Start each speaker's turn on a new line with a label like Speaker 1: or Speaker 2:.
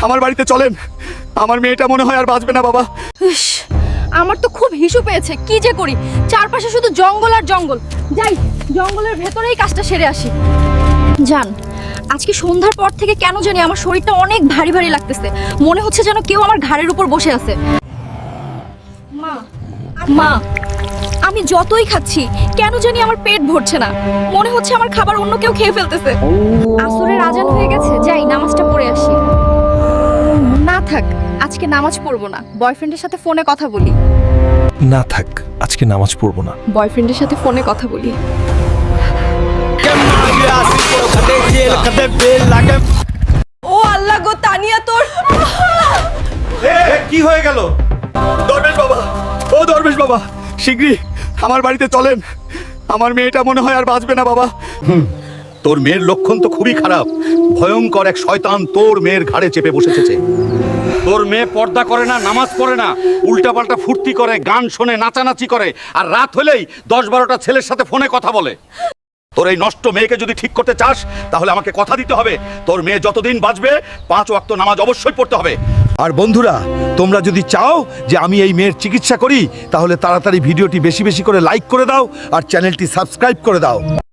Speaker 1: আমার বাড়িতে চলেন। আমার মেয়েটা মনে হয় আর বাঁচবে না বাবা।
Speaker 2: ইস, আমার তো খুব হিসু পেয়েছে, কি যে করি। চারপাশে শুধু জঙ্গল আর জঙ্গল। যাই, জঙ্গলের ভেতরেই কাজটা সেরে আসি। জান, আজকে সন্ধ্যার পর থেকে কেন জানি আমার শরীরটা অনেক ভারী ভারী লাগতেছে। মনে হচ্ছে যেন কেউ আমার ঘাড়ের উপর বসে আছে। মা, মা, আমি যতই খাচ্ছি কেন জানি আমার পেট ভরছে না। মনে হচ্ছে আমার খাবার অন্য কেউ খেয়ে ফেলতেছে। আসরের আজান হয়ে গেছে, যাই নামাজটা পড়ে আসি। না থাক, আজকে নামাজ পড়বো না, বয়ফ্রেন্ডের সাথে ফোনে কথা বলি।
Speaker 3: না থাক, আজকে নামাজ পড়বো না।
Speaker 2: বয়ফ্রেন্ডের সাথে ফোনে কথা বলি। ও আল্লাহ গো, তানিয়া তোর
Speaker 1: কি হয়ে গেল? দরবেশ বাবা, ও দরবেশ বাবা, শিগগিরই আমার বাড়িতে চলেন। আমার মেয়েটা মনে হয় আর বাঁচবে না বাবা। তোর মেয়ের লক্ষণ তো খুবই খারাপ। ভয়ঙ্কর এক শয়তান তোর মেয়ের ঘাড়ে চেপে বসেছে।
Speaker 4: তোর মেয়ে পর্দা করে না, নামাজ পড়ে না, উল্টাপাল্টা ফুর্তি করে, গান শোনে, নাচানাচি করে, আর রাত হলেই 10-12টা ছেলের সাথে ফোনে কথা বলে। তোর এই নষ্ট মেয়েকে যদি ঠিক করতে চাস তাহলে আমাকে কথা দিতে হবে, তোর মেয়ে যতদিন বাঁচবে 5 ওয়াক্ত নামাজ অবশ্যই পড়তে হবে।
Speaker 5: আর বন্ধুরা, তোমরা যদি চাও যে আমি এই মেয়ের চিকিৎসা করি তাহলে তাড়াতাড়ি ভিডিওটি বেশি বেশি করে লাইক করে দাও আর চ্যানেলটি সাবস্ক্রাইব করে দাও।